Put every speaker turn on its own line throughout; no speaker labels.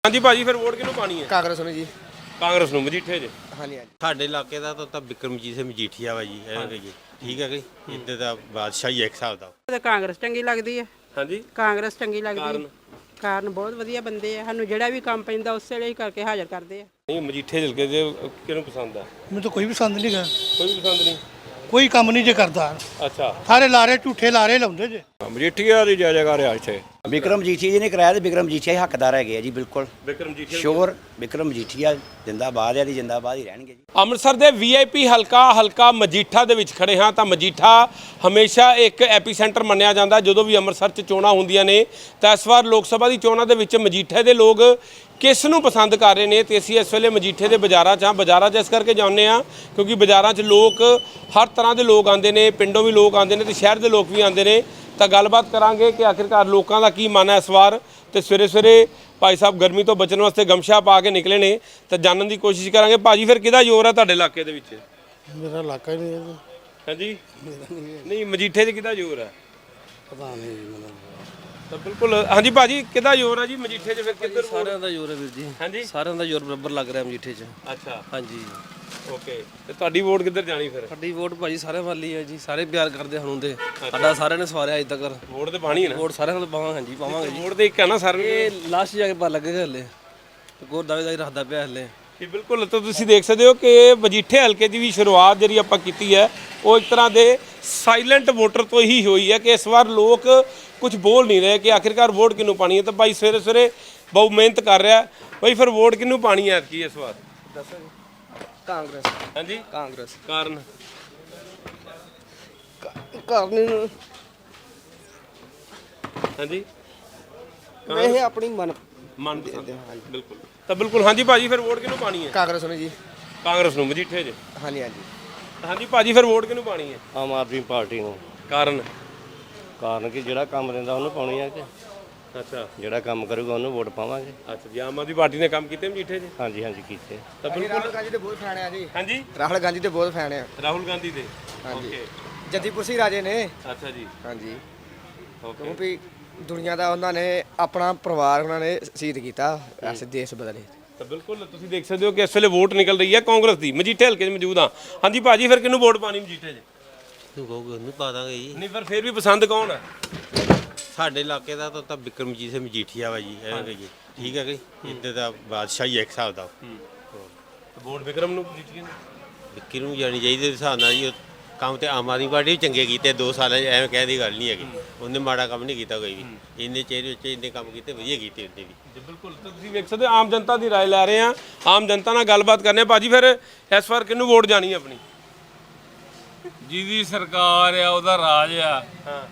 हाँ जी भाजी फिर वोट किहनूं पानी है?
ਕਾਂਗਰਸ ਨੂੰ ਜੀ।
ਕਾਂਗਰਸ ਨੂੰ ਮਜੀਠੇ 'ਚ।
ਹਾਂਜੀ ਹਾਂਜੀ।
ਸਾਡੇ ਇਲਾਕੇ ਦਾ ਤਾਂ ਬਿਕਰਮਜੀਤ ਸਿੰਘ ਮਜੀਠੀਆ ਵਾ ਜੀ ਐਵੇਂ ਕਹੀਏ ਠੀਕ ਹੈ ਕਿ ਇੱਥੇ ਦਾ ਬਾਦਸ਼ਾਹ ਹੀ ਇੱਕ ਹਿਸਾਬ ਦਾ।
ਤੇ ਕਾਂਗਰਸ ਚੰਗੀ ਲੱਗਦੀ ਹੈ।
ਹਾਂਜੀ
ਕਾਂਗਰਸ ਚੰਗੀ ਲੱਗਦੀ
ਕਾਰਨ?
ਹੈ। ਕਾਰਨ ਬਹੁਤ ਵਧੀਆ ਬੰਦੇ ਆ, ਸਾਨੂੰ ਜਿਹੜਾ ਵੀ ਕੰਮ ਪੈਂਦਾ ਉਸੇ ਵੇਲੇ ਹੀ ਕਰਕੇ ਹਾਜ਼ਰ ਕਰਦੇ ਆ।
ਨਹੀਂ ਮਜੀਠੇ ਹਲਕੇ ਦੇ ਕਿਹਨੂੰ ਪਸੰਦ ਆ?
ਮੈਨੂੰ ਤਾਂ ਕੋਈ ਵੀ ਪਸੰਦ ਨਹੀਂ ਗਾ,
ਕੋਈ ਵੀ ਪਸੰਦ ਨਹੀਂ।
ਕੋਈ ਕੰਮ ਨਹੀਂ ਜੇ ਕਰਦਾ,
ਅੱਛਾ
ਸਾਰੇ ਲਾਰੇ ਝੂਠੇ ਲਾਰੇ ਲਾਉਂਦੇ ਜੇ।
ਮਜੀਠੀਆ ਦੀ ਜੈ ਜੈਕਾਰ ਆ ਇੱਥੇ।
ਵਿਕਰਮ ਮਜੀਠੀਆ ਜੀ ਨੇ ਕਰਾਇਆ ਤੇ ਵਿਕਰਮ ਮਜੀਠੀਆ ਹੀ ਹੱਕਦਾਰ ਹੈਗੇ ਆ ਜੀ। ਬਿਲਕੁਲ
ਵਿਕਰਮ ਮਜੀਠੇ
ਸ਼ੋਰ ਵਿਕਰਮ ਮਜੀਠੀਆ ਜਿੰਦਾਬਾਦ ਹੈ ਜੀ, ਜਿੰਦਾਬਾਦ ਹੀ ਰਹਿਣਗੇ ਜੀ।
ਅੰਮ੍ਰਿਤਸਰ ਦੇ ਵੀਆਈਪੀ ਹਲਕਾ ਮਜੀਠਾ ਦੇ ਵਿੱਚ ਖੜੇ ਹਾਂ ਤਾਂ ਮਜੀਠਾ ਹਮੇਸ਼ਾ ਇੱਕ ਐਪੀਸੈਂਟਰ ਮੰਨਿਆ ਜਾਂਦਾ ਜਦੋਂ ਵੀ ਅੰਮ੍ਰਿਤਸਰ 'ਚ ਚੋਣਾਂ ਹੁੰਦੀਆਂ ਨੇ। ਤਾਂ ਇਸ ਵਾਰ ਲੋਕ ਸਭਾ ਦੀ ਚੋਣਾਂ ਦੇ ਵਿੱਚ ਮਜੀਠੇ ਦੇ ਲੋਕ ਕਿਸ ਨੂੰ ਪਸੰਦ ਕਰ ਰਹੇ ਨੇ ਤੇ ਅਸੀਂ ਇਸ ਵੇਲੇ ਮਜੀਠੇ ਦੇ ਬਾਜ਼ਾਰਾਂ 'ਚ ਹਾਂ। ਬਾਜ਼ਾਰਾਂ 'ਚ ਇਸ ਕਰਕੇ ਜਾਂਦੇ ਹਾਂ ਕਿਉਂਕਿ ਬਾਜ਼ਾਰਾਂ 'ਚ ਲੋਕ ਹਰ ਤਰ੍ਹਾਂ ਦੇ ਲੋਕ ਆਉਂਦੇ ਨੇ, ਪਿੰਡੋਂ ਵੀ ਲੋਕ ਆਉਂਦੇ ਨੇ ਤੇ ਸ਼ਹਿਰ ਦੇ ਲੋਕ ਵੀ ਆਉਂਦੇ ਨੇ। ਤਾਂ ਗੱਲਬਾਤ ਕਰਾਂਗੇ ਕਿ ਆਖਿਰਕਾਰ ਲੋਕਾਂ ਦਾ ਕੀ ਮਨ ਹੈ ਇਸ ਵਾਰ। ਤੇ ਸਵੇਰੇ ਸਵੇਰੇ ਭਾਈ ਸਾਹਿਬ ਗਰਮੀ ਤੋਂ ਬਚਣ ਵਾਸਤੇ ਗਮਛਾ ਪਾ ਕੇ ਨਿਕਲੇ ਨੇ ਤਾਂ ਜਾਣਨ ਦੀ ਕੋਸ਼ਿਸ਼ ਕਰਾਂਗੇ। ਭਾਜੀ ਫਿਰ ਕਿਹਦਾ ਜ਼ੋਰ ਹੈ ਤੁਹਾਡੇ ਇਲਾਕੇ ਦੇ ਵਿੱਚ?
ਮੇਰਾ ਇਲਾਕਾ ਹੀ ਨਹੀਂ ਹੈ।
ਹਾਂਜੀ ਨਹੀਂ ਮਜੀਠੇ 'ਚ ਕਿਹਦਾ ਜ਼ੋਰ ਹੈ?
ਪਤਾ ਨਹੀਂ ਮੈਨੂੰ।
ਤਾਂ ਬਿਲਕੁਲ ਹਾਂਜੀ ਭਾਜੀ ਕਿਹਦਾ ਜ਼ੋਰ ਹੈ ਜੀ ਮਜੀਠੇ 'ਚ? ਫਿਰ ਕਿੱਧਰ
ਸਾਰਿਆਂ ਦਾ ਜ਼ੋਰ ਹੈ ਵੀਰ ਜੀ।
ਹਾਂਜੀ
ਸਾਰਿਆਂ ਦਾ ਜ਼ੋਰ ਬਰਾਬਰ ਲੱਗ ਰਿਹਾ ਮਜੀਠੇ 'ਚ।
ਅੱਛਾ
ਹਾਂਜੀ
ਓਕੇ ਤੇ ਤੁਹਾਡੀ ਵੋਟ ਕਿੱਧਰ ਜਾਣੀ ਫਿਰ?
ਸਾਡੀ ਵੋਟ ਭਾਜੀ ਸਾਰਿਆਂ ਵੱਲ ਹੀ ਹੈ ਜੀ। ਸਾਰੇ ਪਿਆਰ ਕਰਦੇ ਹੁਣ ਦੇ ਸਾਡਾ ਸਾਰਿਆਂ ਨੇ ਸਵਾਰਿਆ ਅਜੇ ਤੱਕ।
ਵੋਟ ਤੇ ਪਾਣੀ ਹੈ ਨਾ?
ਵੋਟ ਸਾਰਿਆਂ ਨਾਲ ਪਾਵਾਂਗੇ। ਹਾਂਜੀ ਪਾਵਾਂਗੇ ਜੀ।
ਵੋਟ ਤੇ ਇੱਕ ਹੈ ਨਾ ਸਰ?
ਇਹ ਲਾਸਟ ਜਾ ਕੇ ਪਤਾ ਲੱਗੇਗਾ ਹਲੇ। ਗੋਰ ਦਾਵੇਦਾਰੀ ਰੱਖਦਾ ਪਿਆ ਹਲੇ।
ਜੀ ਬਿਲਕੁਲ। ਤਾਂ ਤੁਸੀਂ ਦੇਖ ਸਕਦੇ ਹੋ ਕਿ ਮਜੀਠੇ ਹਲਕੇ ਦੀ ਵੀ ਸ਼ੁਰੂਆਤ ਜਿਹੜੀ ਆਪਾਂ ਕੀਤੀ ਹੈ ਉਹ ਇੱਕ ਤਰ੍ਹਾਂ ਦੇ ਸਾਇਲੈਂਟ ਵੋਟਰ ਤੋਂ ਹੀ ਹੋਈ ਹੈ ਕਿ ਇਸ ਵਾਰ ਲੋਕ ਕੁਝ ਬੋਲ ਨਹੀਂ ਰਹੇ ਕਿ ਆਖਿਰਕਾਰ ਵੋਟ ਕਿਹਨੂੰ ਪਾਣੀ ਹੈ। ਤਾਂ ਭਾਈ ਸਵੇਰੇ ਸਵੇਰੇ ਬਹੁਤ ਮਿਹਨਤ ਕਰ ਰਿਹਾ ਭਾਈ। ਫਿਰ ਵੋਟ ਕਿਹਨੂੰ ਪਾਣੀ ਹੈ ਐਤਕੀ ਇਸ ਵਾਰ?
ਦੱਸੋ ਜੀ। ਕਾਂਗਰਸ।
ਹਾਂਜੀ
ਕਾਂਗਰਸ।
ਕਾਰਨ?
ਕਾਰਨ
ਹਾਂਜੀ
ਇਹ ਆਪਣੀ ਮਨ
ਬਿਲਕੁਲ। ਤਾਂ ਬਿਲਕੁਲ ਹਾਂਜੀ ਭਾਜੀ ਫਿਰ ਵੋਟ ਕਿਹਨੂੰ ਪਾਣੀ ਹੈ?
ਕਾਂਗਰਸ ਨੂੰ ਜੀ।
ਕਾਂਗਰਸ ਨੂੰ ਮਜੀਠੇ 'ਚ।
ਹਾਂਜੀ ਹਾਂਜੀ।
ਹਾਂਜੀ ਭਾਜੀ ਫਿਰ ਵੋਟ ਕਿਹਨੂੰ ਪਾਣੀ ਹੈ?
ਆਮ ਆਦਮੀ ਪਾਰਟੀ ਨੂੰ।
ਕਾਰਨ?
ਕਾਰਨ ਕਿ ਜਿਹੜਾ ਕੰਮ ਦਿੰਦਾ ਉਹਨੂੰ ਪਾਉਣੀ ਆ ਕਿ
ਅੱਛਾ
ਜਿਹੜਾ ਕੰਮ ਕਰੂਗਾ ਉਹਨੂੰ ਵੋਟ ਪਾਵਾਂਗੇ।
ਅੱਛਾ ਜੀ ਆਮ ਆਦਮੀ ਪਾਰਟੀ ਨੇ ਕੰਮ ਕੀਤੇ ਮਜੀਠੇ 'ਚ?
ਹਾਂਜੀ ਹਾਂਜੀ ਕੀਤੇ।
ਤਾਂ
ਰਾਹੁਲ
ਬਿਲਕੁਲ
ਗਾਂਧੀ ਦੇ ਬਹੁਤ ਫੈਨ ਆ ਜੀ।
ਹਾਂਜੀ
ਰਾਹੁਲ ਗਾਂਧੀ ਦੇ ਬਹੁਤ ਫੈਨ ਆ।
ਰਾਹੁਲ ਗਾਂਧੀ ਦੇ।
ਹਾਂਜੀ।
ਓਕੇ
ਜੱਦੀਪੁਰ ਸਿੰਘ ਰਾਜੇ ਨੇ।
ਅੱਛਾ ਜੀ
ਹਾਂਜੀ।
ਓਕੇ
ਕਿਉਂਕਿ ਦੁਨੀਆ ਦਾ ਉਹਨਾਂ ਨੇ ਆਪਣਾ ਪਰਿਵਾਰ ਉਹਨਾਂ ਨੇ ਸ਼ਹੀਦ ਕੀਤਾ ਐਸੇ ਦੇਸ਼ ਬਦਲੇ।
ਤਾਂ ਬਿਲਕੁਲ ਤੁਸੀਂ ਦੇਖ ਸਕਦੇ ਹੋ ਕਿ ਇਸ ਵੇਲੇ ਵੋਟ ਨਿਕਲ ਰਹੀ ਹੈ ਕਾਂਗਰਸ ਦੀ। ਮਜੀਠੇ ਹਲਕੇ 'ਚ ਮੌਜੂਦ ਹਾਂ। ਹਾਂਜੀ ਭਾਜੀ ਫਿਰ ਕਿਹਨੂੰ ਵੋਟ ਪਾਣੀ ਮਜੀਠੇ 'ਚ?
ਤੂੰ ਕਹੋਗੇ ਉਹਨੂੰ ਪਾ ਦਾਂਗੇ ਜੀ।
ਨਹੀਂ ਪਰ ਫਿਰ ਵੀ ਪਸੰਦ ਕੌਣ ਹੈ?
ਸਾਡੇ ਇਲਾਕੇ ਦਾ ਤਾਂ ਬਿਕਰਮਜੀਤ ਸਿੰਘ ਮਜੀਠੀਆ ਵਾ ਜੀ ਐਵੇਂ ਕਹੀਏ ਠੀਕ ਹੈ ਕਿ ਇੱਥੇ ਦਾ ਬਾਦਸ਼ਾਹ ਹੀ ਇੱਕ ਹਿਸਾਬ ਦਾ।
ਵੋਟ ਵਿਕਰਮ ਨੂੰ ਮਜੀਠੀਏ ਨੂੰ?
ਵਿੱਕੀ ਨੂੰ ਜਾਣੀ ਚਾਹੀਦੀ ਦੇ ਹਿਸਾਬ ਨਾਲ ਜੀ। ਉਹ ਕੰਮ ਤੇ ਆਮ ਆਦਮੀ ਪਾਰਟੀ ਵੀ ਚੰਗੇ ਕੀਤੇ 2 ਸਾਲਾਂ 'ਚ, ਐਵੇਂ ਕਹਿਣ ਦੀ ਗੱਲ ਨਹੀਂ ਹੈਗੀ। ਉਹਨੇ ਮਾੜਾ ਕੰਮ ਨਹੀਂ ਕੀਤਾ ਕੋਈ ਵੀ। ਇੰਨੇ ਚਿਹਰੇ ਵਿੱਚ ਇੰਨੇ ਕੰਮ ਕੀਤੇ ਵਧੀਆ ਕੀਤੇ ਉਹਨੇ ਵੀ।
ਜੀ ਬਿਲਕੁਲ। ਤਾਂ ਤੁਸੀਂ ਵੇਖ ਸਕਦੇ ਹੋ ਆਮ ਜਨਤਾ ਦੀ ਰਾਏ ਲੈ ਰਹੇ ਹਾਂ। ਆਮ ਜਨਤਾ ਨਾਲ ਗੱਲਬਾਤ ਕਰਨੇ। ਭਾਜੀ ਫਿਰ ਇਸ ਵਾਰ ਕਿਹਨੂੰ ਵੋਟ ਜਾਣੀ ਹੈ ਆਪਣੀ?
ਜਿਹਦੀ ਸਰਕਾਰ ਆ ਉਹਦਾ ਰਾਜ ਆ।
ਹਾਂ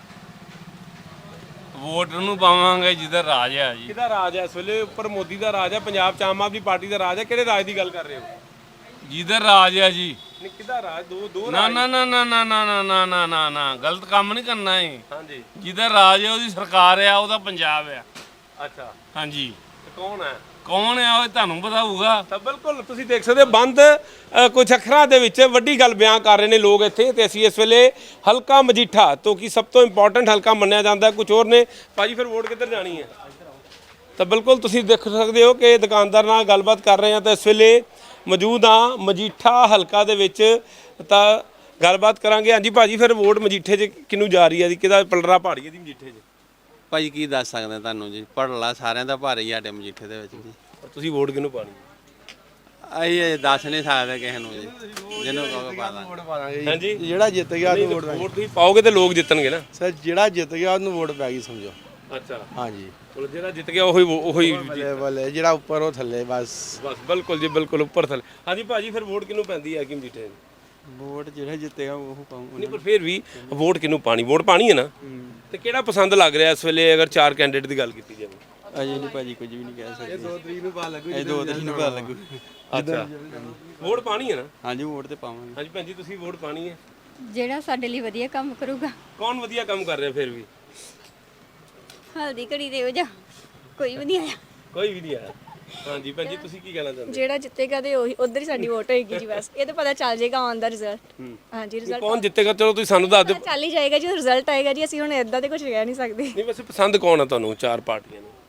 ਵੋਟ ਨੂੰ ਪਾਵਾਂਗੇ ਜਿਹਦਾ ਰਾਜ ਆ ਜੀ।
ਕਿਹਦਾ ਰਾਜ ਹੈ ਇਸ ਵੇਲੇ? ਉੱਪਰ ਮੋਦੀ ਦਾ ਰਾਜ ਹੈ, ਪੰਜਾਬ 'ਚ ਆਮ ਆਦਮੀ ਪਾਰਟੀ ਦਾ ਰਾਜ ਹੈ। ਕਿਹੜੇ ਰਾਜ ਦੀ ਗੱਲ ਕਰ ਰਹੇ ਹੋ?
ਜਿਹਦਾ ਰਾਜ ਆ ਜੀ।
ਨਹੀਂ ਕਿਹਦਾ ਰਾਜ? ਦੋ
ਨਾ
ਰਾਜ।
ਨਾ ਨਾ ਨਾ ਨਾ ਨਾ ਨਾ ਨਾ ਨਾ ਨਾ ਨਾ ਗਲਤ ਕੰਮ ਨਹੀਂ ਕਰਨਾ ਹੈ।
ਹਾਂਜੀ
ਜਿਹਦਾ ਰਾਜ ਆ ਉਹਦੀ ਸਰਕਾਰ ਆ ਉਹਦਾ ਪੰਜਾਬ ਆ।
ਅੱਛਾ
ਹਾਂਜੀ।
ਤੇ ਕੌਣ ਹੈ?
ਕੌਣ ਆ ਉਹ ਤੁਹਾਨੂੰ ਪਤਾ ਹੋਊਗਾ।
ਤਾਂ ਬਿਲਕੁਲ ਤੁਸੀਂ ਦੇਖ ਸਕਦੇ ਹੋ ਬੰਦ ਕੁਝ ਅੱਖਰਾਂ ਦੇ ਵਿੱਚ ਵੱਡੀ ਗੱਲ ਬਿਆਨ ਕਰ ਰਹੇ ਨੇ ਲੋਕ ਇੱਥੇ। ਤੇ ਅਸੀਂ ਇਸ ਵੇਲੇ ਹਲਕਾ ਮਜੀਠਾ ਤੋਂ ਕੀ ਸਭ ਤੋਂ ਇੰਪੋਰਟੈਂਟ ਹਲਕਾ ਮੰਨਿਆ ਜਾਂਦਾ ਕੁਝ ਹੋਰ ਨੇ। ਭਾਜੀ ਫਿਰ ਵੋਟ ਕਿੱਧਰ ਜਾਣੀ ਹੈ? ਤਾਂ ਬਿਲਕੁਲ ਤੁਸੀਂ ਦੇਖ ਸਕਦੇ ਹੋ ਕਿ ਦੁਕਾਨਦਾਰ ਨਾਲ ਗੱਲਬਾਤ ਕਰ ਰਹੇ ਹਾਂ ਤਾਂ ਇਸ ਵੇਲੇ ਮੌਜੂਦ ਹਾਂ ਮਜੀਠਾ ਹਲਕਾ ਦੇ ਵਿੱਚ। ਤਾਂ ਗੱਲਬਾਤ ਕਰਾਂਗੇ। ਹਾਂਜੀ ਭਾਜੀ ਫਿਰ ਵੋਟ ਮਜੀਠੇ 'ਚ ਕਿਹਨੂੰ ਜਾ ਰਹੀ ਹੈ ਜੀ? ਕਿਹਦਾ ਪਲੜਾ ਪਹਾੜੀ ਹੈ ਦੀ ਮਜੀਠੇ 'ਚ?
ਭਾਜੀ ਕੀ ਦੱਸ ਸਕਦੇ ਤੁਹਾਨੂੰ ਜੀ। ਪੜਲਾ ਸਾਰਿਆਂ ਦਾ ਭਾਰੇ ਹੀ ਸਾਡੇ ਮਜੀਠੇ ਦੇ ਵਿੱਚ ਜੀ।
ਤੁਸੀਂ ਵੋਟ ਕਿਹਨੂੰ ਪਾਣੀ?
ਅਸੀਂ ਦੱਸ ਨਹੀਂ ਸਕਦੇ ਕਿਸੇ ਨੂੰ ਜੀ। ਜਿਹਨੂੰ ਕਹੋਗੇ ਪਾ ਦਾਂਗੇ।
ਵੋਟ ਪਾਵਾਂਗੇ
ਹਾਂਜੀ
ਜਿਹੜਾ ਜਿੱਤ ਗਿਆ ਉਹਨੂੰ ਵੋਟ
ਵੋਟ ਤੁਸੀਂ ਪਾਓਗੇ ਤੇ ਲੋਕ ਜਿੱਤਣਗੇ ਨਾ
ਸਰ। ਜਿਹੜਾ ਜਿੱਤ ਗਿਆ ਉਹਨੂੰ ਵੋਟ ਪੈ ਗਈ ਸਮਝੋ।
ਅੱਛਾ
ਹਾਂਜੀ।
ਚਲੋ ਜਿਹੜਾ ਜਿੱਤ ਗਿਆ ਉਹੀ
ਬੱਲੇ ਬੱਲੇ ਜਿਹੜਾ ਉੱਪਰ ਉਹ ਥੱਲੇ ਬਸ।
ਬਸ ਬਿਲਕੁਲ ਜੀ ਬਿਲਕੁਲ ਉੱਪਰ ਥੱਲੇ। ਹਾਂਜੀ ਭਾਜੀ ਫਿਰ ਵੋਟ ਕਿਹਨੂੰ ਪੈਂਦੀ ਹੈ ਕਿ ਮਜੀਠੇ 'ਚ?
ਵੋਟ ਜਿਹੜਾ ਜਿੱਤੇਗਾ ਉਹ ਪਾਉਂਗਾ।
ਨਹੀਂ ਪਰ ਫਿਰ ਵੀ ਵੋਟ ਕਿਹਨੂੰ ਪਾਣੀ? ਵੋਟ ਪਾਣੀ ਹੈ ਨਾ। ਤੇ ਕਿਹੜਾ ਪਸੰਦ ਲੱਗ ਰਿਹਾ ਇਸ ਵੇਲੇ ਅਗਰ 4 ਕੈਂਡੀਡੇਟ ਦੀ ਗੱਲ ਕੀਤੀ ਜਾਵੇ?
ਅਜੇ ਨਹੀਂ ਭਾਜੀ ਕੁਝ ਵੀ ਨਹੀਂ ਕਹਿ ਸਕਦੇ।
2 ਤਰੀਕ ਨੂੰ ਪਾ ਲੱਗੂ।
ਇਹ 2 ਤਰੀਕ ਨੂੰ ਪਤਾ ਲੱਗੂ।
ਅੱਛਾ ਵੋਟ ਪਾਣੀ ਹੈ ਨਾ।
ਹਾਂਜੀ ਵੋਟ ਤੇ ਪਾਵਾਂਗੇ।
ਹਾਂਜੀ ਭੈਣ ਜੀ ਤੁਸੀਂ ਵੋਟ ਪਾਣੀ ਹੈ?
ਜਿਹੜਾ ਸਾਡੇ ਲਈ ਵਧੀਆ ਕੰਮ ਕਰੂਗਾ।
ਕੌਣ ਵਧੀਆ ਕੰਮ ਕਰ ਰਿਹਾ ਫਿਰ ਵੀ?
ਹਲਦੀ ਘੜੀ ਦੇ ਹੋ ਜਾ ਕੋਈ ਵੀ ਨਹੀਂ ਆਇਆ।
ਕੋਈ ਵੀ ਨਹੀਂ ਆਇਆ। ਹਾਂਜੀ ਭੈਣ ਜੀ ਤੁਸੀਂ ਕੀ ਕਹਿਣਾ ਚਾਹੁੰਦੇ?
ਜਿਹੜਾ ਜਿੱਤੇਗਾ ਤੇ ਉਹੀ ਉਧਰ ਹੀ ਸਾਡੀ ਵੋਟ ਹੋਏਗੀ ਜੀ। ਬਸ ਇਹ ਤਾਂ ਪਤਾ ਚੱਲ ਜਾਏਗਾ ਆਨ ਦਾ ਰਿਜ਼ਲਟ। ਹਾਂਜੀ ਰਿਜ਼ਲਟ
ਕੌਣ ਜਿੱਤੇਗਾ ਚਲੋ ਤੁਸੀਂ ਸਾਨੂੰ ਦੱਸ ਦਿਓ।
ਚੱਲ ਹੀ ਜਾਏਗਾ ਜੀ ਰਿਜ਼ਲਟ ਆਏਗਾ ਜੀ। ਅਸੀਂ ਹੁਣ ਇਦਾਂ ਤੇ ਕੁਝ ਕਹਿ ਨਹੀਂ ਸਕਦੇ।
ਨਹੀਂ ਵੈਸੇ ਪਸੰਦ ਕੌਣ ਆ ਤੁਹਾਨੂੰ 4 ਪਾਰਟੀਆਂ ਨੂੰ?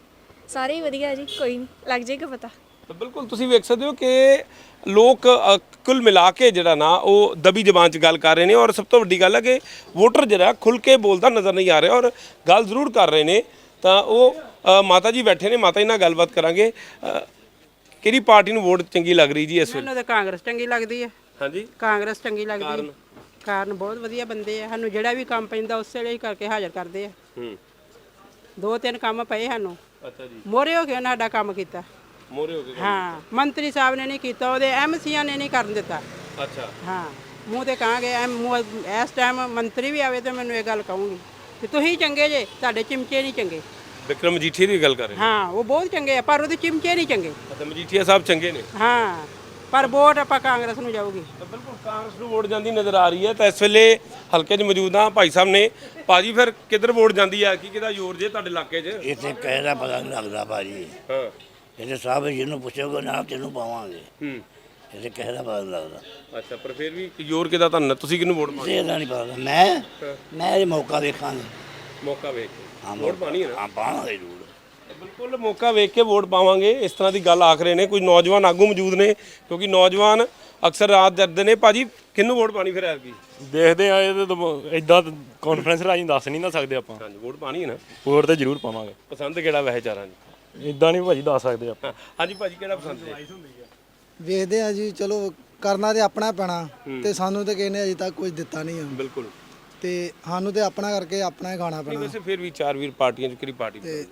ਸਾਰੇ ਹੀ ਵਧੀਆ ਜੀ, ਕੋਈ ਨਹੀਂ ਲੱਗ ਜਾਏਗਾ ਪਤਾ।
ਤਾਂ ਬਿਲਕੁਲ ਤੁਸੀਂ ਵੇਖ ਸਕਦੇ ਹੋ ਕਿ ਲੋਕ ਕੁੱਲ ਮਿਲਾ ਕੇ ਜਿਹੜਾ ਨਾ ਉਹ ਦਬੀ ਜ਼ਬਾਨ 'ਚ ਗੱਲ ਕਰ ਰਹੇ ਨੇ ਔਰ ਸਭ ਤੋਂ ਵੱਡੀ ਗੱਲ ਹੈ ਕਿ ਵੋਟਰ ਜਿਹੜਾ ਖੁੱਲ ਕੇ ਬੋਲਦਾ ਨਜ਼ਰ ਨਹੀਂ ਆ ਰਿਹਾ ਔਰ ਗੱਲ ਜ਼ਰੂਰ ਕਰ ਰਹੇ ਨੇ। ਤਾਂ ਉਹ ਮਾਤਾ ਜੀ ਬੈਠੇ ਨੇ, ਮਾਤਾ ਜੀ ਨਾਲ ਗੱਲਬਾਤ ਕਰਾਂਗੇ। ਕਿਹੜੀ ਪਾਰਟੀ ਨੂੰ ਵੋਟ ਚੰਗੀ ਲੱਗ ਰਹੀ ਜੀ ਇਸ ਵੇਲੇ?
ਮੈਨੂੰ ਤਾਂ ਕਾਂਗਰਸ ਚੰਗੀ ਲੱਗਦੀ ਹੈ।
ਹਾਂਜੀ,
ਕਾਂਗਰਸ ਚੰਗੀ ਲੱਗਦੀ ਹੈ। ਕਾਰਨ ਬਹੁਤ ਵਧੀਆ ਬੰਦੇ ਆ, ਸਾਨੂੰ ਜਿਹੜਾ ਵੀ ਕੰਮ ਪੈਂਦਾ ਉਸੇ ਵੇਲੇ ਹੀ ਕਰਕੇ ਹਾਜ਼ਰ ਕਰਦੇ ਆ। 2-3 ਕੰਮ ਪਏ ਸਾਨੂੰ,
ਅੱਛਾ ਜੀ,
ਮੋਰੇ ਹੋ ਕੇ ਉਹਨਾਂ ਸਾਡਾ ਕੰਮ ਕੀਤਾ।
ਮੋਰੇ ਹੋ ਗਏ।
ਹਾਂ, ਮੰਤਰੀ ਸਾਹਿਬ ਨੇ ਨਹੀਂ ਕੀਤਾ, ਉਹਦੇ ਐਮਸੀਆਂ ਨੇ ਨਹੀਂ ਕਰਨ ਦਿੱਤਾ।
ਅੱਛਾ,
ਹਾਂ, ਮੂੰਹ ਤੇ ਕਹਾਂਗੇ ਇਸ ਟਾਈਮ ਮੰਤਰੀ ਵੀ ਆਵੇ ਤਾਂ ਮੈਨੂੰ ਇਹ ਗੱਲ ਕਹੂੰਗੀ ਕਿ ਤੁਸੀਂ ਚੰਗੇ ਜੇ, ਤੁਹਾਡੇ ਚਿਮਚੇ ਨਹੀਂ ਚੰਗੇ।
ਵਿਕਰਮ ਮਜੀਠੀਆ ਦੀ ਗੱਲ ਕਰ ਰਹੇ
ਹਾਂ, ਉਹ ਬਹੁਤ ਚੰਗੇ ਆ ਪਰ ਉਹਦੇ ਚਿਮਚੇ ਨਹੀਂ ਚੰਗੇ।
ਅੱਛਾ, ਮਜੀਠੀਆ ਸਾਹਿਬ ਚੰਗੇ ਨੇ।
ਹਾਂ, ਪਰ ਵੋਟ ਆਪਾਂ ਕਾਂਗਰਸ ਨੂੰ ਜਾਊਗੀ।
ਤਾਂ ਬਿਲਕੁਲ ਕਾਂਗਰਸ ਨੂੰ ਵੋਟ ਜਾਂਦੀ ਨਜ਼ਰ ਆ ਰਹੀ ਹੈ। ਤਾਂ ਇਸ ਵੇਲੇ ਹਲਕੇ 'ਚ ਮੌਜੂਦ ਹਾਂ, ਭਾਈ ਸਾਹਿਬ ਨੇ। ਭਾਜੀ ਫਿਰ ਕਿੱਧਰ ਵੋਟ ਜਾਂਦੀ ਹੈ? ਕਿਹਦਾ ਜ਼ੋਰ ਜੇ ਤੁਹਾਡੇ ਇਲਾਕੇ 'ਚ?
ਇੱਥੇ ਕਿਸੇ ਦਾ ਪਤਾ ਨਹੀਂ ਲੱਗਦਾ ਭਾਜੀ।
ਹਾਂ,
ਇੱਥੇ ਸਭ ਜਿਹਨੂੰ ਪੁੱਛੋਗੇ ਨਾ ਤੈਨੂੰ ਪਾਵਾਂਗੇ।
ਹੂੰ,
ਇੱਥੇ ਕਿਸੇ ਦਾ ਪਤਾ ਨਹੀਂ ਲੱਗਦਾ।
ਅੱਛਾ, ਪਰ ਫਿਰ ਵੀ ਜ਼ੋਰ ਕਿਹਦਾ ਤੁਹਾਨੂੰ? ਤੁਸੀਂ ਕਿਹਨੂੰ ਵੋਟ ਪਾਣੀ?
ਇਹਦਾ ਨਹੀਂ ਪਤਾ। ਮੈਂ ਇਹ ਮੌਕਾ ਵੇਖਾਂਗੇ।
ਮੌਕਾ ਵੇਖ ਕੇ ਵੋਟ ਪਾਣੀ ਹੈ ਨਾ?
ਹਾਂ, ਪਾਵਾਂਗੇ ਜ਼ਰੂਰ।
ਬਿਲਕੁਲ ਮੌਕਾ ਵੇਖ ਕੇ ਵੋਟ ਪਾਵਾਂਗੇ, ਇਸ ਤਰ੍ਹਾਂ ਦੀ ਗੱਲ ਆਖ ਰਹੇ ਨੇ ਕੁਝ ਨੌਜਵਾਨ ਆਗੂ ਮੌਜੂਦ ਨੇ, ਕਿਉਂਕਿ ਨੌਜਵਾਨ ਅਕਸਰ ਰਾਤ ਡਰਦੇ ਨੇ। ਭਾਜੀ ਕਿਹਨੂੰ ਵੋਟ ਪਾਣੀ ਫਿਰ ਐਤਕੀ?
ਦੇਖਦੇ ਆ, ਇਹ ਤਾਂ ਇਦਾਂ ਕਾਨਫਰੰਸ ਰਾਹੀਂ ਦੱਸ ਨਹੀਂ ਨਾ ਸਕਦੇ ਆਪਾਂ।
ਹਾਂਜੀ, ਵੋਟ ਪਾਣੀ ਹੈ ਨਾ?
ਵੋਟ ਤੇ ਜ਼ਰੂਰ ਪਾਵਾਂਗੇ।
ਪਸੰਦ ਕਿਹੜਾ ਵੈਸੇ ਚਾਰਾਂ ਜੀ?
ਇਦਾਂ ਨਹੀਂ ਭਾਜੀ ਦੱਸ ਸਕਦੇ ਆਪਾਂ।
ਹਾਂਜੀ ਭਾਜੀ, ਕਿਹੜਾ ਪਸੰਦ ਹੈ?
ਵੇਖਦੇ ਆ ਜੀ, ਚਲੋ ਕਰਨਾ ਤੇ ਆਪਣਾ ਪੈਣਾ ਤੇ ਸਾਨੂੰ ਤੇ ਕਿਸੇ ਨੇ ਅਜੇ ਤੱਕ ਕੁਝ ਦਿੱਤਾ ਨਹੀਂ ਆ
ਬਿਲਕੁਲ,
ਤੇ ਸਾਨੂੰ ਤੇ ਆਪਣਾ ਕਰਕੇ ਆਪਣਾ ਹੀ ਖਾਣਾ
ਨਹੀਂ
ਪੈਣਾ
ਵੈਸੇ ਫਿਰ ਵੀ ਚਾਰ ਵੀਰ ਪਾਰਟੀਆਂ 'ਚ ਕਿਹੜੀ ਪਾਰਟੀ?
ਤੇ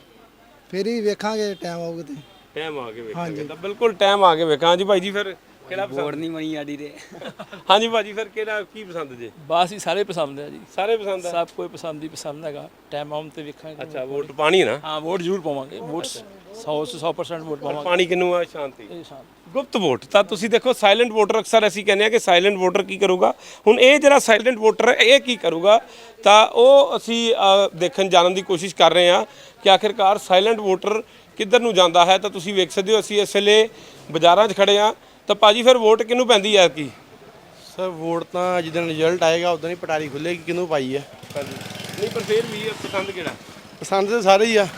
ਫਿਰ ਹੀ ਵੇਖਾਂਗੇ ਟਾਈਮ ਆਊਗਾ ਤੇ।
ਟਾਈਮ ਆ ਕੇ ਵੇਖਾਂਗੇ। ਤਾਂ ਬਿਲਕੁਲ ਟਾਈਮ ਆ ਕੇ ਵੇਖਾਂ। ਹਾਂਜੀ ਭਾਈ ਜੀ, ਫਿਰ ਕਿਹੜਾ ਪਸੰਦ?
ਨਹੀਂ ਬਣੀ ਆਡੀ ਦੇ।
ਹਾਂਜੀ ਭਾਜੀ, ਫਿਰ ਕਿਹੜਾ ਕੀ ਪਸੰਦ ਜੇ?
ਬਸ ਹੀ ਸਾਰੇ ਪਸੰਦ ਆ ਜੀ,
ਸਾਰੇ ਪਸੰਦ ਆ?
ਸਭ ਕੋਈ ਪਸੰਦ ਹੀ ਪਸੰਦ ਹੈਗਾ। ਟਾਈਮ ਆਉਣ ਤੇ ਵੇਖਾਂਗੇ।
ਅੱਛਾ, ਵੋਟ ਪਾਣੀ ਹੈ ਨਾ?
ਹਾਂ, ਵੋਟ ਜ਼ਰੂਰ ਪਾਵਾਂਗੇ। ਵੋਟ 100% ਵੋਟ ਪਾਵਾਂਗੇ।
ਪਾਣੀ ਕਿਹਨੂੰ ਆ? ਸ਼ਾਂਤੀ,
ਇਹ ਸ਼ਾਮ
ਗੁਪਤ ਵੋਟ। ਤਾਂ ਤੁਸੀਂ ਦੇਖੋ ਸਾਇਲੈਂਟ ਵੋਟਰ, ਅਕਸਰ ਅਸੀਂ ਕਹਿੰਦੇ ਆ ਕਿ ਸਾਇਲੈਂਟ ਵੋਟਰ ਕੀ ਕਰੂਗਾ। ਹੁਣ ਇਹ ਜਿਹੜਾ ਸਾਇਲੈਂਟ ਵੋਟਰ ਹੈ ਇਹ ਕੀ ਕਰੂਗਾ, ਤਾਂ ਉਹ ਅਸੀਂ ਦੇਖਣ ਜਾਣਨ ਦੀ ਕੋਸ਼ਿਸ਼ ਕਰ ਰਹੇ ਹਾਂ ਕਿ ਆਖਿਰਕਾਰ ਸਾਇਲੈਂਟ ਵੋਟਰ ਕਿੱਧਰ ਨੂੰ ਜਾਂਦਾ ਹੈ। ਤਾਂ ਤੁਸੀਂ ਵੇਖ ਸਕਦੇ ਹੋ ਅਸੀਂ ਇਸ ਵੇਲੇ ਬਾਜ਼ਾਰਾਂ 'ਚ ਖੜੇ ਹਾਂ। ਤਾਂ ਭਾਜੀ ਫਿਰ ਵੋਟ ਕਿਹਨੂੰ ਪੈਂਦੀ ਹੈ ਕੀ?
ਸਰ ਵੋਟ ਤਾਂ ਜਦੋਂ ਰਿਜ਼ਲਟ ਆਏਗਾ ਉਦੋਂ ਹੀ ਪਟਾਰੀ ਖੁੱਲੇਗੀ ਕਿਹਨੂੰ ਪਾਈ ਆ।
ਹਾਂਜੀ, ਨਹੀਂ ਪਰ ਫਿਰ ਵੀ ਪਸੰਦ ਕਿਹੜਾ?
ਪਸੰਦ ਤਾਂ ਸਾਰੇ ਹੀ ਆ।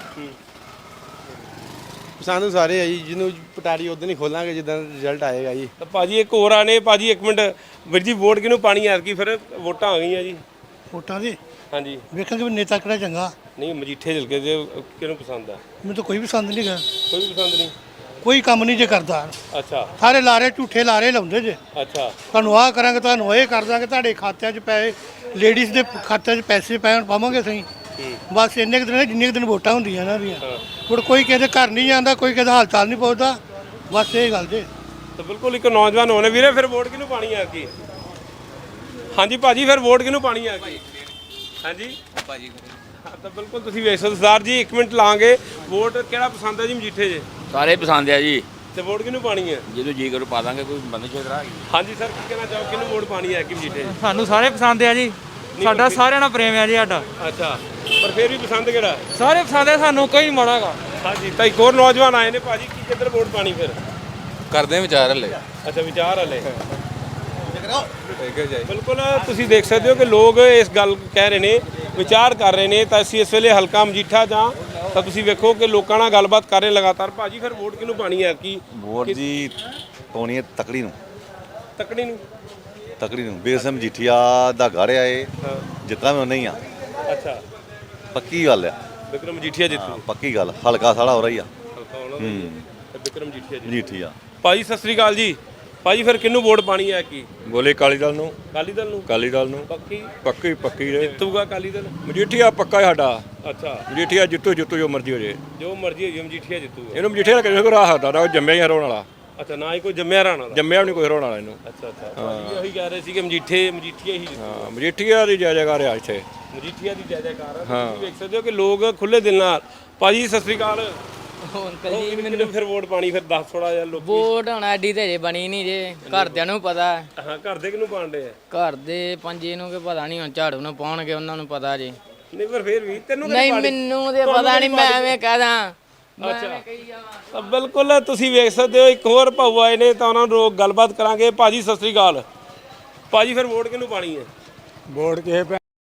ਪਸੰਦ ਸਾਰੇ ਆ ਜੀ, ਜਿਹਨੂੰ ਪਟਾਰੀ ਉਦੋਂ ਹੀ ਖੋਲਾਂਗੇ ਜਦੋਂ ਰਿਜ਼ਲਟ ਆਏਗਾ ਜੀ।
ਤਾਂ ਭਾਜੀ ਇੱਕ ਹੋਰ ਆਨੇ। ਭਾਜੀ ਇੱਕ ਮਿੰਟ, ਵੀਰ ਜੀ ਵੋਟ ਕਿਹਨੂੰ ਪਾਣੀ ਹੈ ਕੀ? ਫਿਰ ਵੋਟਾਂ ਆ ਗਈਆਂ ਜੀ।
ਵੋਟਾਂ ਦੇ
ਹਾਂਜੀ,
ਵੇਖਾਂਗੇ ਵੀ ਨੇਤਾ ਕਿਹੜਾ ਚੰਗਾ।
ਨਹੀਂ ਮਜੀਠੇ ਝਲਕੇ ਦੇ ਕਿਹਨੂੰ ਪਸੰਦ ਆ?
ਮੈਨੂੰ ਤਾਂ ਕੋਈ ਵੀ ਪਸੰਦ ਨਹੀਂ ਗਾ,
ਕੋਈ ਵੀ ਪਸੰਦ ਨਹੀਂ।
ਕੋਈ ਕੰਮ ਨਹੀਂ ਜੇ ਕਰਦਾ।
ਅੱਛਾ,
ਸਾਰੇ ਲਾਰੇ ਝੂਠੇ ਲਾਰੇ ਲਾਉਂਦੇ ਜੇ।
ਅੱਛਾ,
ਤੁਹਾਨੂੰ ਆਹ ਕਰਾਂਗੇ, ਤੁਹਾਨੂੰ ਇਹ ਕਰ ਦਾਂਗੇ, ਤੁਹਾਡੇ ਖਾਤਿਆਂ 'ਚ ਪੈਸੇ, ਲੇਡੀਜ਼ ਦੇ ਖਾਤਿਆਂ 'ਚ ਪੈਸੇ ਪੈਣ ਪਾਵਾਂਗੇ ਸਹੀ। ਬਸ ਇੰਨੇ ਕੁ ਦਿਨ, ਜਿੰਨੇ ਕੁ ਦਿਨ ਵੋਟਾਂ ਹੁੰਦੀਆਂ ਇਹਨਾਂ ਦੀਆਂ। ਹੁਣ ਕੋਈ ਕਿਸੇ ਦੇ ਘਰ ਨਹੀਂ ਜਾਂਦਾ, ਕੋਈ ਕਿਸੇ ਦਾ ਹਾਲ ਚਾਲ ਨਹੀਂ ਪੁੱਛਦਾ, ਬਸ ਇਹ ਗੱਲ ਜੇ।
ਤਾਂ ਬਿਲਕੁਲ ਇੱਕ ਨੌਜਵਾਨ ਹੋਣੇ ਵੀਰੇ, ਫਿਰ ਵੋਟ ਕਿਹਨੂੰ ਪਾਣੀ ਹੈ ਕੀ? ਹਾਂਜੀ ਭਾਜੀ, ਫਿਰ ਵੋਟ ਕਿਹਨੂੰ ਪਾਣੀ ਹੈ ਕੀ? ਹਾਂਜੀ ਭਾਜੀ, ਤਾਂ ਬਿਲਕੁਲ ਤੁਸੀਂ ਵੇਖ ਸਕਦੇ ਸਰਦਾਰ ਜੀ, 1 ਮਿੰਟ ਲਾਂਗੇ। ਵੋਟ ਕਿਹੜਾ ਪਸੰਦ ਹੈ ਜੀ ਮਜੀਠੇ ਜੇ?
ਸਾਰੇ ਪਸੰਦ ਆ ਜੀ,
ਤੇ ਵੋਟ ਕਿਹਨੂੰ ਪਾਣੀ ਹੈ?
ਜਦੋਂ ਜੀ ਕਰੂ ਪਾ ਦਾਂਗੇ। ਕੋਈ ਬੰਦੇ ਛੇਤਰਾ
ਹਾਂਜੀ ਸਰ, ਕੀ ਕਹਿਣਾ ਚਾਹੋ, ਕਿਹਨੂੰ ਵੋਟ ਪਾਣੀ ਹੈ ਕਿ ਮਜੀਠੇ?
ਸਾਨੂੰ ਸਾਰੇ ਪਸੰਦ ਆ ਜੀ, ਸਾਡਾ ਸਾਰਿਆਂ ਨਾਲ ਪ੍ਰੇਮ ਆ ਜੀ ਸਾਡਾ।
ਅੱਛਾ, ਪਰ ਫਿਰ ਵੀ ਪਸੰਦ ਕਿਹੜਾ?
ਸਾਰੇ ਪਸੰਦ ਆ ਸਾਨੂੰ, ਕੋਈ ਮਾੜਾਗਾ।
ਹਾਂਜੀ, ਤਾਂ ਇੱਕ ਹੋਰ ਨੌਜਵਾਨ ਆਏ ਨੇ। ਭਾਜੀ ਕੀ ਕਿੱਧਰ ਵੋਟ ਪਾਣੀ ਫਿਰ?
ਕਰਦੇ ਵਿਚਾਰ ਹਲੇ।
ਅੱਛਾ, ਵਿਚਾਰ ਹਲੇ। ਬਿਲਕੁਲ ਤੁਸੀਂ ਦੇਖ ਸਕਦੇ ਹੋ ਕਿ ਲੋਕ ਇਸ ਗੱਲ ਕਹਿ ਰਹੇ ਨੇ, ਵਿਚਾਰ ਕਰ ਰਹੇ ਨੇ। ਤਾਂ ਅਸੀਂ ਇਸ ਵੇਲੇ ਹਲਕਾ ਮਜੀਠਾ ਜਾਂ ਤਾਂ ਤੁਸੀਂ ਵੇਖੋ ਕਿ ਲੋਕਾਂ ਨਾਲ ਗੱਲਬਾਤ ਕਰ ਰਹੇ ਲਗਾਤਾਰ। ਭਾਜੀ ਫਿਰ ਵੋਟ ਕਿਹਨੂੰ ਪਾਣੀ ਹੈ ਕੀ?
ਵੋਟ ਜੀ ਪਾਉਣੀ ਹੈ ਤਕੜੀ ਨੂੰ।
ਤਕੜੀ ਨੂੰ?
ਤਕੜੀ ਨੂੰ। ਬੇਸਮ ਮਜੀਠੀਆ ਦਾ ਘਰ ਆ ਇਹ, ਜਿੱਤਣਾ ਵੀ ਨਹੀਂ ਆ।
ਅੱਛਾ,
ਪੱਕੀ ਗੱਲ ਆ।
ਵਿਕਰਮ ਮਜੀਠੀਆ ਜਿੱਤੂ?
ਪੱਕੀ ਗੱਲ, ਹਲਕਾ ਸਾੜਾ ਹੋ ਰਹੀ ਆ।
ਹਲਕਾ ਉਹਨਾਂ ਦਾ ਤੇ ਵਿਕਰਮ ਮਜੀਠੀਆ ਜੀ।
ਮਜੀਠੀਆ।
ਭਾਜੀ ਸਤਿ ਸ੍ਰੀ ਅਕਾਲ ਜੀ। ਭਾਜੀ ਫਿਰ ਕਿਹਨੂੰ ਵੋਟ ਪਾਣੀ ਹੈ ਕੀ?
ਬੋਲੇ ਅਕਾਲੀ ਦਲ ਨੂੰ।
ਅਕਾਲੀ ਦਲ ਨੂੰ?
ਅਕਾਲੀ ਦਲ ਨੂੰ
ਪੱਕੀ?
ਪੱਕੀ
ਜਿੱਤੂਗਾ ਅਕਾਲੀ ਦਲ?
ਮਜੀਠੀਆ ਪੱਕਾ ਸਾਡਾ।
ਅੱਛਾ,
ਮਜੀਠੀਆ ਜਿੱਤੂ ਜੋ ਮਰਜ਼ੀ ਹੋ ਜੇ,
ਜੋ ਮਰਜ਼ੀ ਹੋ ਜੀ, ਮਜੀਠੀਆ ਜਿੱਤੂਗਾ।
ਇਹਨੂੰ ਮਜੀਠੀਆ ਕਿਸੇ ਕੋ ਰਾਹ ਸਕਦਾ, ਉਹ ਜੰਮਿਆ ਹੀ ਹਰਾਉਣ ਵਾਲਾ।
ਅੱਛਾ, ਨਾ ਹੀ ਕੋਈ ਜੰਮਿਆ ਰਾਣਾ ਦਾ?
ਜੰਮਿਆ ਵੀ ਨਹੀਂ ਕੋਈ ਹਰਾਉਣ ਵਾਲਾ ਇਹਨੂੰ।
ਅੱਛਾ ਅੱਛਾ, ਭਾਜੀ ਉਹੀ ਕਹਿ ਰਹੇ ਸੀ ਕਿ ਮਜੀਠੀਆ ਹੀ ਜਿੱਤੂ।
ਹਾਂ, ਮਜੀਠੀਆ ਦੀ ਜੈ ਜੈਕਾਰ ਆ ਇੱਥੇ।
ਮਜੀਠੀਆ ਦੀ ਜੈ ਜੈਕਾਰ ਆ। ਤੁਸੀਂ ਵੇਖ ਸਕਦੇ ਹੋ ਕਿ ਲੋਕ ਖੁੱਲੇ ਦਿਲ ਨਾਲ। ਭਾਜੀ ਸਤਿ ਸ੍ਰੀ ਅਕਾਲ। ਮੈਨੂੰ ਫਿਰ ਵੋਟ ਪਾਣੀ ਫਿਰ ਦੱਸ ਥੋੜਾ ਜਿਹਾ। ਲੋਕ
ਵੋਟ ਹੁਣ ਐਡੀ ਤੇ ਜੇ ਬਣੀ ਨਹੀਂ ਜੇ, ਘਰਦਿਆਂ ਨੂੰ ਪਤਾ।
ਹਾਂ, ਘਰ ਦੇ ਕਿਹਨੂੰ ਪਾਉਂਦੇ ਆ?
ਘਰ ਦੇ ਪੰਜੇ ਨੂੰ ਕਿ ਪਤਾ ਨਹੀਂ, ਹੁਣ ਝਾੜੂ ਨੂੰ ਪਾਉਣਗੇ, ਉਹਨਾਂ ਨੂੰ ਪਤਾ ਜੀ।
ਨਹੀਂ ਪਰ ਫਿਰ ਵੀ ਤੈਨੂੰ
ਨਹੀਂ, ਮੈਨੂੰ ਤੇ ਪਤਾ ਨਹੀਂ, ਮੈਂ ਐਵੇਂ ਕਹਦਾ।
ਅੱਛਾ, ਤਾਂ ਬਿਲਕੁਲ ਤੁਸੀਂ ਵੇਖ ਸਕਦੇ ਹੋ ਇੱਕ ਹੋਰ ਭਾਊ ਆਏ ਨੇ, ਤਾਂ ਉਹਨਾਂ ਨੂੰ ਗੱਲਬਾਤ ਕਰਾਂਗੇ। ਭਾਜੀ ਸਤਿ ਸ੍ਰੀ ਅਕਾਲ। ਭਾਜੀ ਫਿਰ ਵੋਟ ਕਿਹਨੂੰ ਪਾਣੀ ਹੈ?
ਵੋਟ ਕਿਸੇ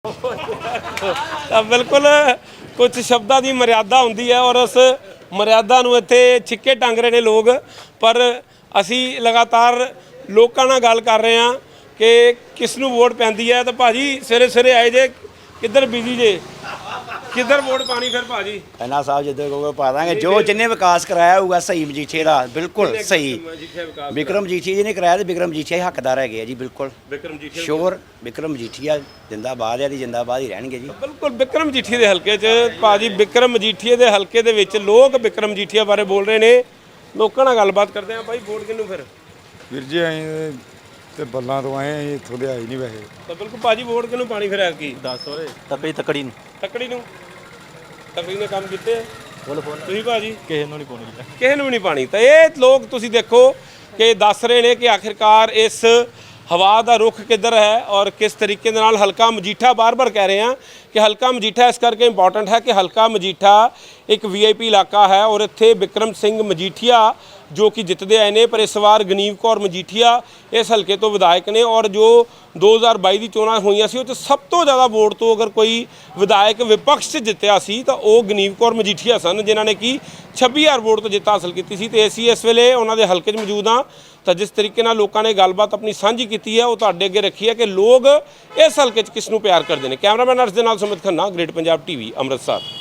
ਤਾਂ ਬਿਲਕੁਲ ਕੁਝ ਸ਼ਬਦਾਂ ਦੀ ਮਰਿਆਦਾ ਹੁੰਦੀ ਹੈ ਔਰ ਉਸ ਮਰਿਆਦਾ ਨੂੰ ਇੱਥੇ ਛਿੱਕੇ ਟੰਗ ਰਹੇ ਨੇ ਲੋਕ। ਪਰ ਅਸੀਂ ਲਗਾਤਾਰ ਲੋਕਾਂ ਨਾਲ ਗੱਲ ਕਰ ਰਹੇ ਹਾਂ ਕਿ ਕਿਸ ਨੂੰ ਵੋਟ ਪੈਂਦੀ ਹੈ। ਤਾਂ ਭਾਜੀ ਸਵੇਰੇ ਸਵੇਰੇ ਆਏ ਜੇ, ਕਿੱਧਰ ਬਿਜੀ ਜੇ, ਕਿੱਧਰ ਵੋਟ ਪਾਣੀ ਫਿਰ ਭਾਜੀ?
ਖੰਨਾ ਸਾਹਿਬ ਜਿੱਦਾਂ ਕਹੋਗੇ ਪਾ ਦਾਂਗੇ, ਜੋ ਜਿੰਨੇ ਵਿਕਾਸ ਕਰਾਇਆ ਹੋਊਗਾ ਸਹੀ ਮਜੀਠੀਏ ਦਾ, ਬਿਲਕੁਲ ਸਹੀ। ਵਿਕਰਮ ਮਜੀਠੀਆ ਜੀ ਨੇ ਕਰਾਇਆ ਤੇ ਵਿਕਰਮ ਮਜੀਠੀਆ ਹੀ ਹੱਕਦਾਰ ਹੈਗੇ ਆ ਜੀ, ਬਿਲਕੁਲ
ਵਿਕਰਮ ਮਜੀਠੀਆ
ਸ਼ੋਰ। ਵਿਕਰਮ ਮਜੀਠੀਆ ਜਿੰਦਾਬਾਦ ਹੈ ਜੀ, ਜਿੰਦਾਬਾਦ ਹੀ ਰਹਿਣਗੇ ਜੀ।
ਬਿਲਕੁਲ ਵਿਕਰਮ ਮਜੀਠੀਆ ਦੇ ਹਲਕੇ 'ਚ ਭਾਜੀ, ਵਿਕਰਮ ਮਜੀਠੀਆ ਦੇ ਹਲਕੇ ਦੇ ਵਿੱਚ ਲੋਕ ਵਿਕਰਮ ਮਜੀਠੀਆ ਬਾਰੇ ਬੋਲ ਰਹੇ ਨੇ। ਲੋਕਾਂ ਨਾਲ ਗੱਲਬਾਤ ਕਰਦੇ ਆ। ਭਾਈ ਵੋਟ ਕਿਹਨੂੰ ਫਿਰ?
ਵੀਰ ਜੀ ਅਸੀਂ ਤੇ ਬੱਲਾਂ ਤੋਂ ਆਏ ਆ, ਇੱਥੋਂ ਦੇ ਆਏ ਨਹੀਂ ਵੈਸੇ।
ਤਾਂ ਬਿਲਕੁਲ ਭਾਜੀ ਵੋਟ ਕਿਹਨੂੰ ਪਾਣੀ ਫਿਰ ਐਤਕੀ?
ਦੱਸ ਓਏ।
ਤਕੜੀ ਨੂੰ
ਤਕੜੀ ਨੂੰ। ਤਕੜੀ ਨੇ ਕੰਮ ਕੀਤੇ ਆ? ਤੁਸੀਂ ਭਾਜੀ?
ਕਿਸੇ ਨੂੰ ਨਹੀਂ ਪਾਉਣੀ।
ਕਿਸੇ ਨੂੰ ਵੀ ਨਹੀਂ ਪਾਣੀ। ਤਾਂ ਇਹ ਲੋਕ ਤੁਸੀਂ ਦੇਖੋ ਕਿ ਦੱਸ ਰਹੇ ਨੇ ਕਿ ਆਖਿਰਕਾਰ ਇਸ ਹਵਾ ਦਾ ਰੁਖ ਕਿੱਧਰ ਹੈ ਔਰ ਕਿਸ ਤਰੀਕੇ ਦੇ ਨਾਲ ਹਲਕਾ ਮਜੀਠਾ ਬਾਰ-ਬਾਰ ਕਹਿ ਰਹੇ ਹਾਂ ਕਿ ਹਲਕਾ ਮਜੀਠਾ ਇਸ ਕਰਕੇ ਇੰਪੋਰਟੈਂਟ ਹੈ ਕਿ ਹਲਕਾ ਮਜੀਠਾ ਇੱਕ VIP ਇਲਾਕਾ ਹੈ ਔਰ ਇੱਥੇ ਵਿਕਰਮ ਸਿੰਘ ਮਜੀਠੀਆ ਜੋ ਕਿ ਜਿੱਤਦੇ ਆਏ ਨੇ, ਪਰ ਇਸ ਵਾਰ ਗਨੀਵ ਕੌਰ ਮਜੀਠੀਆ ਇਸ ਹਲਕੇ ਤੋਂ ਵਿਧਾਇਕ ਨੇ ਔਰ ਜੋ 2022 ਦੀ ਚੋਣਾਂ ਹੋਈਆਂ ਸੀ ਉਹ 'ਚ ਸਭ ਤੋਂ ਜ਼ਿਆਦਾ ਵੋਟ ਤੋਂ ਅਗਰ ਕੋਈ ਵਿਧਾਇਕ ਵਿਪਕਸ਼ 'ਚ ਜਿੱਤਿਆ ਸੀ ਤਾਂ ਉਹ ਗਨੀਵ ਕੌਰ ਮਜੀਠੀਆ ਸਨ, ਜਿਨ੍ਹਾਂ ਨੇ ਕਿ 26000 ਵੋਟ ਤੋਂ ਜਿੱਤ ਹਾਸਲ ਕੀਤੀ ਸੀ। ਤੇ ਅਸੀਂ ਇਸ ਵੇਲੇ ਉਹਨਾਂ ਦੇ ਹਲਕੇ 'ਚ ਮੌਜੂਦ ਹਾਂ। ਤਾਂ ਜਿਸ ਤਰੀਕੇ ਨਾਲ ਲੋਕਾਂ ਨੇ ਗੱਲਬਾਤ ਆਪਣੀ ਸਾਂਝੀ ਕੀਤੀ ਹੈ ਉਹ ਤੁਹਾਡੇ ਅੱਗੇ ਰੱਖੀ ਹੈ ਕਿ ਲੋਕ ਇਸ ਹਲਕੇ 'ਚ ਕਿਸ ਨੂੰ ਪਿਆਰ ਕਰਦੇ ਨੇ। ਕੈਮਰਾਮੈਨ ਅਰਸ਼ ਦੇ ਨਾਲ ਸੁਮਿਤ ਖੰਨਾ, ਗ੍ਰੇਟ ਪੰਜਾਬ TV, ਅੰਮ੍ਰਿਤਸਰ।